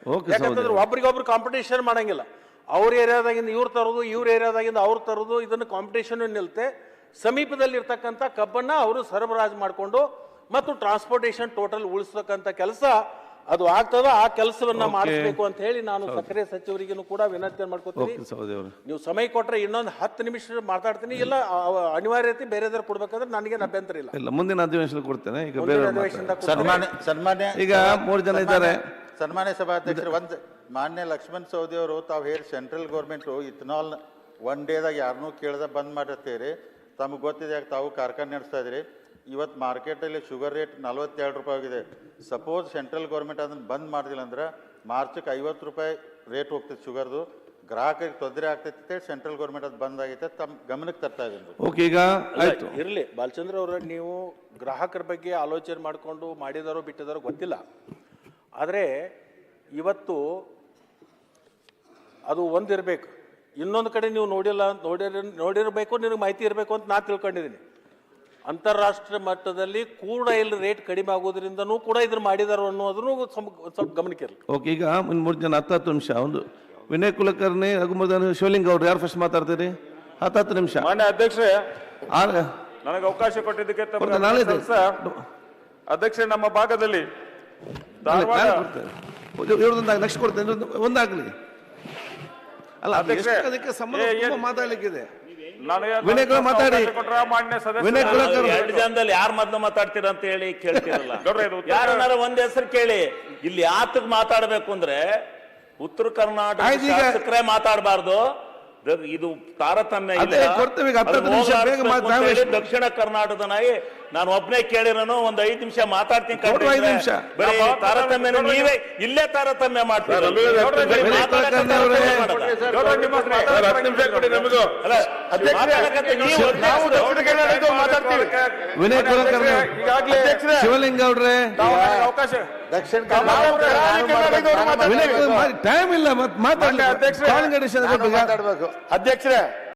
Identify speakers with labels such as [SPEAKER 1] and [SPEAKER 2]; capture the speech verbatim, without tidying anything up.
[SPEAKER 1] ಯಾಕಂತಂದ್ರೆ ಒಬ್ರಿಗೊಬ್ರು ಕಾಂಪಿಟೇಷನ್ ಮಾಡಂಗಿಲ್ಲ. ಅವ್ರ ಏರಿಯಾದಾಗಿಂದ ಇವ್ರು ತರೋದು, ಇವ್ರ ಏರಿಯಾದಾಗಿಂದ ಅವ್ರು ತರೋದು, ಇದನ್ನು ಕಾಂಪಿಟೇಷನ್ ನಿಲ್ತೆ. ಸಮೀಪದಲ್ಲಿ ಇರ್ತಕ್ಕಂಥ ಕಬ್ಬನ್ನ ಅವರು ಸರಬರಾಜು ಮಾಡಿಕೊಂಡು ಮತ್ತು ಟ್ರಾನ್ಸ್ಪೋರ್ಟೇಷನ್ ಟೋಟಲ್ ಉಳಿಸ್ತಕ್ಕಂಥ ಕೆಲಸ ಅದು ಆಗ್ತದ. ಆ ಕೆಲಸವನ್ನ ಮಾಡಿಸ್ಬೇಕು ಅಂತ ಹೇಳಿ ನಾನು ಸಕ್ಕರೆ ಸಚಿವರಿಗೂ ಕೂಡ ವಿನಂತಿ ಮಾಡ್ಕೊತೀನಿ. ನೀವು ಸಮಯ ಕೊಟ್ರೆ ಇನ್ನೊಂದು ಹತ್ತು ನಿಮಿಷ ಮಾತಾಡ್ತೀನಿ. ಇಲ್ಲ ಅನಿವಾರ್ಯತೆ ಬೇರೆದಾರು ಕೊಡ್ಬೇಕಾದ್ರೆ ನನಗೆ ಅಭ್ಯಂತರ ಇಲ್ಲ.
[SPEAKER 2] ಇಲ್ಲ, ಮುಂದಿನ ಅಧಿವೇಶನ ಕೊಡ್ತೇನೆ. ಈಗ
[SPEAKER 3] ಸನ್ಮಾನ್ಯ ಸನ್ಮಾನ್ಯ
[SPEAKER 2] ಈಗ ಮೂರು ಜನ ಇದ್ದಾರೆ.
[SPEAKER 3] ಸನ್ಮಾನ್ಯ ಸಭಾಧ್ಯಕ್ಷರು, ಒಂದು ಮಾನ್ಯ ಲಕ್ಷ್ಮಣ್ ಸವದಿ ಅವರು ತಾವು ಹೇಳಿ ಸೆಂಟ್ರಲ್ ಗೌರ್ಮೆಂಟ್ ಇಥನಾಲ್ ಒನ್ ಡೇದಾಗ ಯಾರನ್ನೂ ಕೇಳ್ದ ಬಂದ್ ಮಾಡಿರ್ತೀರಿ. ತಮಗೆ ಗೊತ್ತಿದೆ, ತಾವು ಕಾರ್ಖಾನೆ ನಡೆಸ್ತಾ ಇದ್ರಿ. ಇವತ್ತು ಮಾರ್ಕೆಟಲ್ಲಿ ಶುಗರ್ ರೇಟ್ ನಲ್ವತ್ತೆರಡು ರೂಪಾಯಿ ಆಗಿದೆ. ಸಪೋಸ್ ಸೆಂಟ್ರಲ್ ಗೌರ್ಮೆಂಟ್ ಅದನ್ನು ಬಂದ್ ಮಾಡಿದಿಲ್ಲ ಅಂದ್ರೆ ಮಾರ್ಚಕ್ಕೆ ಐವತ್ತು ರೂಪಾಯಿ ರೇಟ್ ಹೋಗ್ತೈತೆ ಶುಗರ್ದು. ಗ್ರಾಹಕರಿಗೆ ತೊಂದರೆ ಆಗ್ತೈತೆ. ಸೆಂಟ್ರಲ್ ಗೌರ್ಮೆಂಟ್ ಅದು ಬಂದ್ ಆಗೈತೆ, ತಮ್ಮ ಗಮನಕ್ಕೆ ತರ್ತಾ ಇದ್ದೀನಿ.
[SPEAKER 2] ಓಕೆ, ಈಗ ಆಯ್ತು,
[SPEAKER 1] ಇರಲಿ ಬಾಲಚಂದ್ರ ಅವರ, ನೀವು ಗ್ರಾಹಕರ ಬಗ್ಗೆ ಆಲೋಚನೆ ಮಾಡಿಕೊಂಡು ಮಾಡಿದಾರೋ ಬಿಟ್ಟಿದಾರೋ ಗೊತ್ತಿಲ್ಲ. ಆದರೆ ಇವತ್ತು ಅದು ಒಂದಿರಬೇಕು. ಇನ್ನೊಂದು ಕಡೆ ನೀವು ನೋಡಿಲ್ಲ, ನೋಡಿರ ನೋಡಿರಬೇಕು ನಿನಗೆ ಮಾಹಿತಿ ಇರಬೇಕು ಅಂತ ನಾನು ತಿಳ್ಕೊಂಡಿದ್ದೀನಿ. ಅಂತಾರಾಷ್ಟ್ರೀಯ ಮಟ್ಟದಲ್ಲಿ ಕ್ರೂಡ್ ಆಯಿಲ್ ರೇಟ್ ಕಡಿಮೆ ಆಗೋದ್ರಿಂದನೂ ಕೂಡ ಇದನ್ನು ಮಾಡಿದಾರೋ ಅನ್ನೋದನ್ನು ಸ್ವಲ್ಪ ಗಮನಕ್ಕಿರಲಿ.
[SPEAKER 2] ಓಕೆ, ಈಗ ಮೂರು ಜನ ಹತ್ತು ಹತ್ತು ನಿಮಿಷ. ಒಂದು ವಿನಯ್ ಕುಲಕರ್ಣಿ, ರಘುಮರ್ದನ್, ಶಿವಲಿಂಗ್ ಅವ್ರು ಯಾರು ಫಸ್ಟ್ ಮಾತಾಡ್ತೀರಿ? ಹತ್ತು ಹತ್ತು ನಿಮಿಷ.
[SPEAKER 4] ಮಾನ್ಯ ಅಧ್ಯಕ್ಷರೇ, ನನಗೆ ಅವಕಾಶ ಕೊಟ್ಟಿದ್ದಕ್ಕೆ ಅಧ್ಯಕ್ಷರೇ, ನಮ್ಮ ಭಾಗದಲ್ಲಿ
[SPEAKER 2] ನೆಕ್ಸ್ಟ್ ಕೊಡ್ತೇನೆ, ಒಂದಾಗ್ಲಿ. ಅಲ್ಲ, ಅದಕ್ಕೆ ಸಂಬಂಧ ಮಾತಾಡ್ಲಿಕ್ಕಿದೆ. ವಿನಯ್ ಕುಲ ಮಾತಾಡಿ. ವಿನಯ್ ಕುಲಕರ್ಣಿ
[SPEAKER 5] ಎರಡು ಜನದಲ್ಲಿ ಯಾರು ಮೊದಲು ಮಾತಾಡ್ತೀರ ಅಂತ ಹೇಳಿ ಕೇಳ್ತೀರಲ್ಲ. ಯಾರನ್ನಾರ ಒಂದ್ ಹೆಸರು ಕೇಳಿ. ಇಲ್ಲಿ ಯಾತಕ್ ಮಾತಾಡ್ಬೇಕು ಅಂದ್ರೆ ಉತ್ತರ ಕರ್ನಾಟಕ ಶಾಸಕರೇ ಮಾತಾಡಬಾರ್ದು. ಇದು ತಾರತಮ್ಯ ಇಲ್ಲ. ದಕ್ಷಿಣ ಕರ್ನಾಟಕದ ನಾಯಿ ನಾನು ಒಬ್ಬನೇ ಕೇಳಿರೋನು ಒಂದ್ ಐದು ನಿಮಿಷ ಮಾತಾಡ್ತೀನಿ. ತಾರತಮ್ಯ ನೀವೇ ಇಲ್ಲೇ ತಾರತಮ್ಯ ಮಾಡ್ತೀರಿ.
[SPEAKER 2] ವಿನಯ್ ಕುಲಕರ್ಣಿ, ಶಿವಲಿಂಗ ಅವ್ರೆ,
[SPEAKER 4] ಅವಕಾಶ
[SPEAKER 3] ದಕ್ಷಿಣ
[SPEAKER 2] ಟೈಮ್ ಇಲ್ಲ, ಮಾತಾಡಬೇಕು
[SPEAKER 3] ಅಧ್ಯಕ್ಷರೇ.